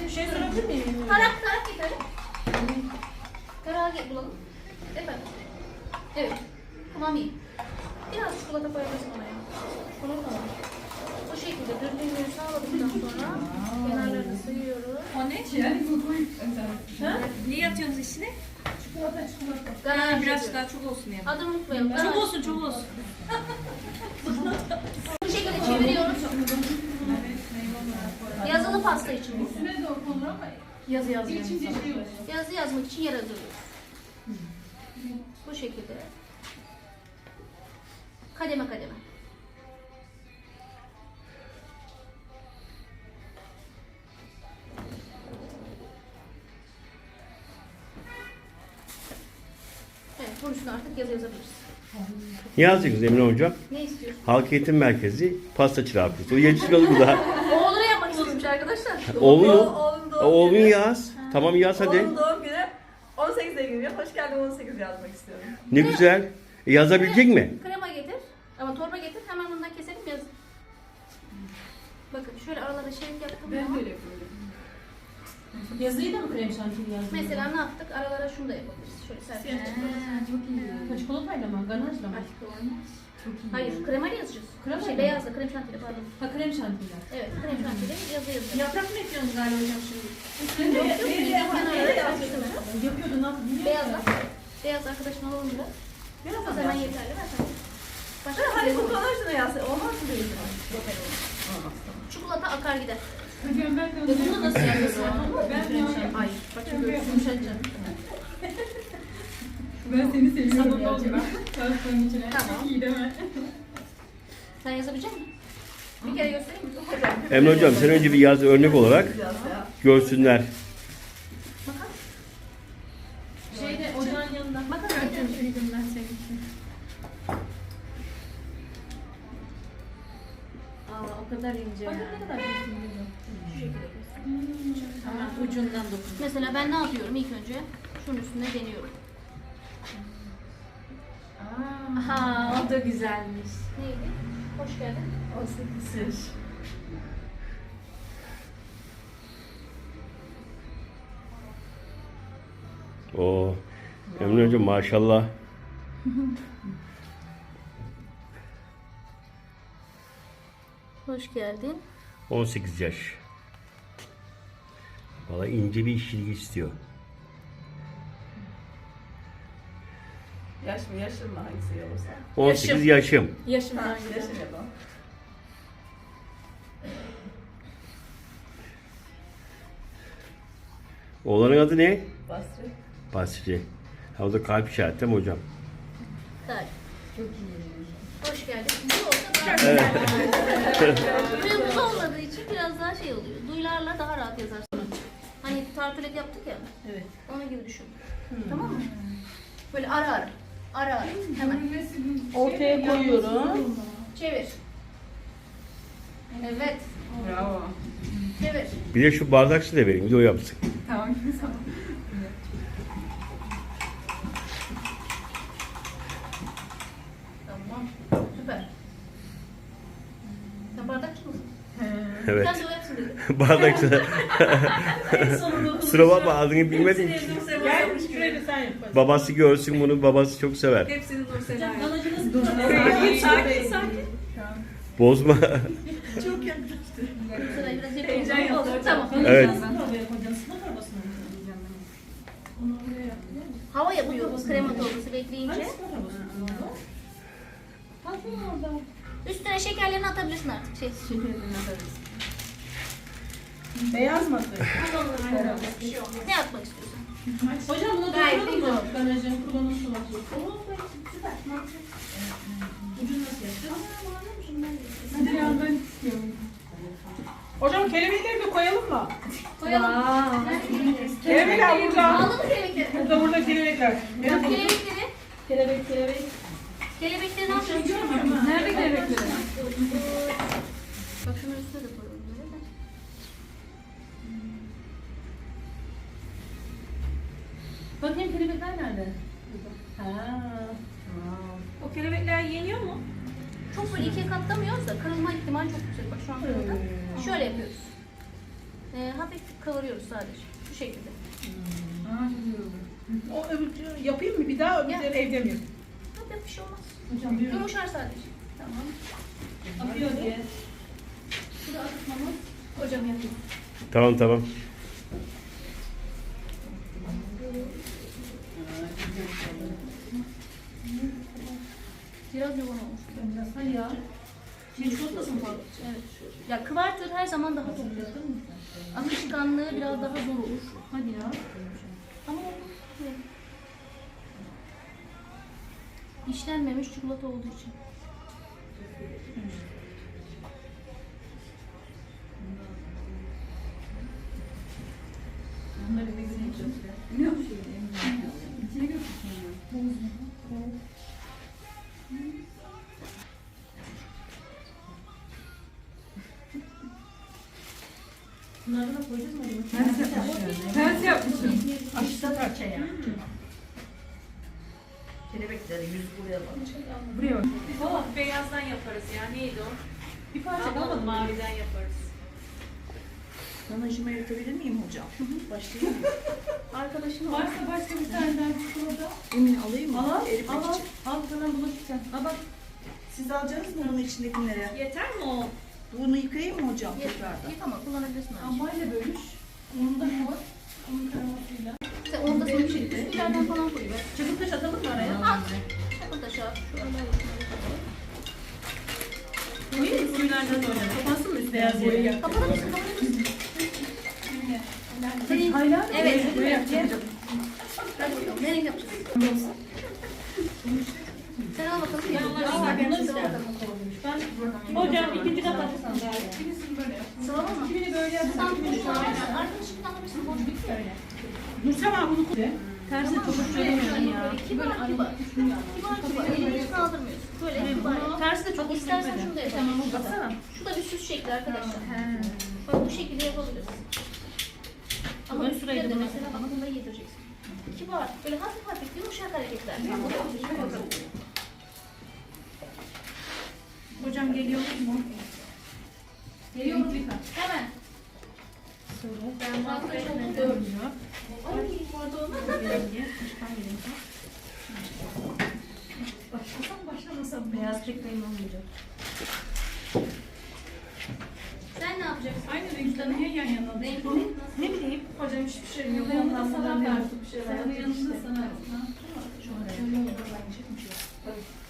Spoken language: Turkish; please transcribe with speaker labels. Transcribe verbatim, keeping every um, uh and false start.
Speaker 1: Bir şey sorabilir miyim?
Speaker 2: Tarak tarak getirelim. Tarağı get bulalım. Efendim. Evet. Tamam iyi. Biraz çikolata koyabilirsin ona ya. Bunu tamam. Bu şekilde düzgünlüğü sağladıktan sonra kenarlarını sıyıyoruz.
Speaker 3: O ne için? Ha? Niye atıyorsunuz içine?
Speaker 1: Çikolata çikolata.
Speaker 2: Ganaj
Speaker 3: Biraz
Speaker 2: yapıyoruz.
Speaker 3: daha çok olsun yani.
Speaker 2: Adını unutmayalım.
Speaker 3: Çok
Speaker 2: Ganaj.
Speaker 3: olsun, çok olsun.
Speaker 2: Bu şekilde çeviriyoruz. Yazılı pasta için bu.
Speaker 1: Üstüne de okunur ama
Speaker 2: Yazı yazmak
Speaker 1: içince şey olur.
Speaker 2: Yazı yazmak için yer hazırlıyoruz. Bu şekilde. Kademe kademe. Evet, bunun üstüne artık yazı yazabiliriz.
Speaker 4: Ne yazacaksınız Emine Hocam?
Speaker 2: Ne istiyorsun?
Speaker 4: Halk Eğitim Merkezi pasta çırağı kursu. O yetişkin bu da.
Speaker 2: Oğlunu yapmak istiyormuş arkadaşlar.
Speaker 4: Oğlun
Speaker 5: Oğlum
Speaker 4: mu?
Speaker 5: doğum
Speaker 4: Oğlun
Speaker 5: günü.
Speaker 4: yaz. Tamam yaz hadi.
Speaker 5: Oğlum doğum günü on sekiz Eylül. Hoş geldin on sekiz yazmak istiyorum.
Speaker 4: Ne güzel. E, yazabilecek mi?
Speaker 2: Krema getir. Ama torba getir. Hemen bundan keselim yaz. Bakın şöyle aralara şerit yaptım.
Speaker 1: Ben
Speaker 2: ama
Speaker 1: böyle yapıyorum. Yazıyı da mı krem şantili yazdın?
Speaker 2: Mesela ne yaptık? Aralara şunu da yapabiliriz. Şöyle serpiştirdik.
Speaker 1: Çok iyi. Ha, çikolatayla mı? Ganajla mı? Çok iyi.
Speaker 2: Hayır, kremayla yazacağız.
Speaker 1: Krema
Speaker 2: şey,
Speaker 1: mı?
Speaker 2: beyazla, krem şantiyle pardon.
Speaker 1: Ha krem şantili.
Speaker 2: Evet, krem şantiyle yazı yazacağız.
Speaker 1: Yaprak mı ekliyorsunuz galiba hocam şimdi?
Speaker 5: Üstünde
Speaker 2: Kenarlara yapıştırma.
Speaker 1: Yapıyordu ne yaptı? Niye
Speaker 2: Beyazla. Beyaz arkadaşın alalım da.
Speaker 5: Biraz
Speaker 2: O zaman yeterli. Ver sen. Başka
Speaker 5: Hani
Speaker 2: bir
Speaker 5: bu
Speaker 2: şey yok.
Speaker 5: kanajla yazsa olmaz mı değil mi?
Speaker 2: Çikolata akar gider.
Speaker 1: Hocam ben de
Speaker 2: Ve bunu nasıl yapıyorsun?
Speaker 1: Ben de
Speaker 2: Hayır. Bak şimdi böyle
Speaker 1: yumuşatacağım. Ben seni seviyorum gerçekten. Çalışmanın içine.
Speaker 2: Tamam.
Speaker 1: Çok iyi değil mi?
Speaker 2: Sen yazabilecek misin? Bir kere göstereyim mi?
Speaker 5: Hocam.
Speaker 4: Emine Hocam sen önce bir yaz örnek olarak
Speaker 5: Yaz ya.
Speaker 4: görsünler.
Speaker 2: Bakar.
Speaker 1: Şeyde ocağın yanında.
Speaker 2: Bakar.
Speaker 1: Götürdüm ben senin için.
Speaker 3: Aa, o kadar ince.
Speaker 1: Bakın ne kadar büyük.
Speaker 3: Tamam, ucundan dokun.
Speaker 2: Mesela ben ne yapıyorum ilk önce? Şunun üstüne deniyorum.
Speaker 3: Aha, o da güzelmiş.
Speaker 2: Neydi? Hoş geldin.
Speaker 5: on sekiz.
Speaker 4: Oo. Emine Hocam maşallah.
Speaker 2: Hoş geldin.
Speaker 4: on sekiz yaş. Valla ince bir işçilik istiyor.
Speaker 5: Yaş mı yaşın mı hangisi iyi olursa.
Speaker 4: on sekiz yaşım.
Speaker 3: Yaşımdan
Speaker 5: Ha,
Speaker 3: güzel.
Speaker 5: yaşın yapalım.
Speaker 4: Oğlanın adı ne?
Speaker 5: Basri.
Speaker 4: Basri. Ha, o da kalp işareti değil mi hocam?
Speaker 2: Tarih. Çok iyi. Hoş geldin. Bu olsa daha güzel. Duyumuz olmadığı için biraz daha şey oluyor. Duyularla daha rahat yazarsın. Hani tartulet yaptık ya.
Speaker 1: Evet.
Speaker 2: Onun gibi düşün. Tamam mı? Böyle ara ara. Ara ara. Hemen.
Speaker 1: Ortaya koyuyorum.
Speaker 2: Çevir. Evet.
Speaker 5: Bravo.
Speaker 2: Çevir.
Speaker 4: Bir de şu bardak su da vereyim. Bir de o yapsın.
Speaker 5: Tamam. Tamam.
Speaker 2: Tamam. Süper. Sen bardakçı mısın?
Speaker 4: Evet.
Speaker 2: Sen de o yapsın dedi.
Speaker 4: Bardak su. Kusura bakma adını bilmedim ki.
Speaker 1: Gel şuraya bir sen yap.
Speaker 4: Babası görsün bunu. Babası çok sever.
Speaker 3: Hepsini Nursel Ay.
Speaker 1: Ganajı nasıl dur?
Speaker 3: Sakin, sakin.
Speaker 4: Bozma.
Speaker 5: Çok yaklaştı.
Speaker 2: Sırayı biraz yapalım.
Speaker 5: Heyecan yaptı.
Speaker 2: Tamam.
Speaker 4: Evet.
Speaker 1: Nasıl torbaya koyacaksın? Sıma torbasına mı koyacaksın? Onu oraya yap.
Speaker 2: Hava yapıyoruz krema torbası bekleyince.
Speaker 1: Hani sıma torbasına mı? Tatlı orada.
Speaker 2: Üstüne şekerlerini atabilirsin artık. Şey.
Speaker 1: Beyaz mı?
Speaker 2: Ne atmak istiyorsun?
Speaker 1: Hocam bunu
Speaker 2: Gayet
Speaker 1: dolduralım
Speaker 2: güzel.
Speaker 1: mı? Ganajın kullanım sulatı. Ucunu nasıl yapacağız? Hadi ya ben istiyorum. Hocam kelebekleri de koyalım mı?
Speaker 2: Koyalım.
Speaker 1: Kelebekler burada.
Speaker 2: Aldın mı kelebekleri?
Speaker 1: Burada burada kelebekler.
Speaker 2: Bak kelebekleri.
Speaker 1: Kelebek kelebek.
Speaker 2: Kelebekleri ne yapıyorsun?
Speaker 1: Nerede kelebekleri?
Speaker 2: Bak şunun üstüne de koyalım böyle de.
Speaker 1: Bakayım kelebekler nerede? Ha.
Speaker 3: O kelebekler yeniyor mu?
Speaker 2: Çok böyle ikiye katlamıyoruz da kırılma ihtimali çok yüksek. Bak şu an kırıldı. Şöyle yapıyoruz. Ee, hafif kavuruyoruz sadece. Şu şekilde.
Speaker 1: O öbür, yapayım mı bir daha öbürleri evde mi?
Speaker 2: Hafif bir şey olmaz.
Speaker 1: Hocam diyorum.
Speaker 2: Yumuşar sadece. Tamam.
Speaker 3: Atıyor diye.
Speaker 2: Bu da atmamız. Hocam yapayım.
Speaker 4: Tamam tamam.
Speaker 2: Biraz yoğun olmuş.
Speaker 3: Hadi ya.
Speaker 2: Çikolata mı fazla? Evet. Ya kıvartır her zaman daha çok güzel. Akışkanlığı biraz daha zor olur.
Speaker 3: Hadi ya.
Speaker 2: Ama oldu. İşlenmemiş çikolata olduğu için.
Speaker 3: Bunları da güzel. Biliyor musun? İçine götürsün.
Speaker 2: Bunları da koyacağız mı?
Speaker 3: Ters yapmışsın. Ters yapmışsın.
Speaker 1: Aşıda parçaya.
Speaker 5: Kelebekleri yüz buraya bak.
Speaker 3: Buraya bak.
Speaker 6: Oh, beyazdan yaparız ya. Neydi o?
Speaker 3: Bir parça
Speaker 6: Kalmadı,
Speaker 3: kalmadı mı?
Speaker 6: maviden yaparız.
Speaker 5: Sana işime yürütebilir miyim hocam? Başlayayım mı?
Speaker 2: Arkadaşım var.
Speaker 3: Varsa başka bir tane daha çikolata.
Speaker 5: Emin alayım mı?
Speaker 3: Al al.
Speaker 5: Eritmek
Speaker 3: Al al.
Speaker 5: için.
Speaker 3: Al sana bulaşık sen. Al bak.
Speaker 5: Siz alacaksınız mı bunun içindekileri?
Speaker 6: Yeter mi o?
Speaker 5: Bunu yıkayayım mı hocam tekrardan?
Speaker 2: Yıkama kullanabilirsin. bence.
Speaker 3: Ambayla bölüş. Onun da ne var? Onun karamasıyla.
Speaker 2: Sen onu da sonra şimdi üstlerden falan koyuyor.
Speaker 3: Çakıl taş atalım mı araya?
Speaker 2: At. Çakıl taşı at. Şu aralar
Speaker 3: Koyayım mı? Suyunlardan sonra. Kapansın mı üstü beyaz boya?
Speaker 2: Kapatır mısın? Kapatır mısın? Senin...
Speaker 3: Hayla.
Speaker 2: Evet.
Speaker 3: Böyle yapacağım.
Speaker 2: Hadi bakalım. Ne renk yapacağız? Sen al bakalım.
Speaker 3: Al, ben isterim.
Speaker 6: Hocam ikinci kat atarsan daha iyi.
Speaker 3: Birisini böyle yap.
Speaker 2: Sıralama mı?
Speaker 3: Kimini böyle yap.
Speaker 2: Sen
Speaker 3: kimini
Speaker 2: boş
Speaker 3: şöyle
Speaker 2: ver.
Speaker 3: yap.
Speaker 2: Arkadaşım anlamışsın. Boş bitmiyor öyle.
Speaker 1: Nursema bunu koy.
Speaker 3: Tersi çok hoş göremiyorum ya.
Speaker 2: Kibar kibar. Kibar kibar. Elini hiç kaldırmıyorsun. Böyle kibar.
Speaker 3: Tersi de çok hoş
Speaker 2: İstersen
Speaker 3: görmedi.
Speaker 2: şunu da
Speaker 3: Tamam
Speaker 2: yapalım.
Speaker 3: o baksana.
Speaker 2: Şu da bir süs şekli arkadaşlar. Bak bu şekilde yapabiliriz. Ama
Speaker 3: Ben
Speaker 2: üstüne
Speaker 3: şurayı
Speaker 2: de
Speaker 3: da
Speaker 2: mesela bana bunları yedireceksin. Kibar. Böyle hafif hafif yumuşak hareketler.
Speaker 3: Hocam geliyor mu?
Speaker 2: Geliyorum. Hemen.
Speaker 3: Ben
Speaker 2: Fazla çok
Speaker 3: mahvetmedim.
Speaker 2: görmüyor. Ay orada olmaz.
Speaker 3: Başlasam başlamasam beyaz pek benim olmayacak.
Speaker 2: Sen ne yapacaksın?
Speaker 3: Aynı renkten niye yan yana?
Speaker 2: Renkli
Speaker 3: Ne bileyim. Hocam hiçbir şey yok.
Speaker 5: Yanında
Speaker 3: Ondan
Speaker 5: sana
Speaker 3: buradan
Speaker 5: ver.
Speaker 3: bir şeyler. Senin yanında sana. Şöyle.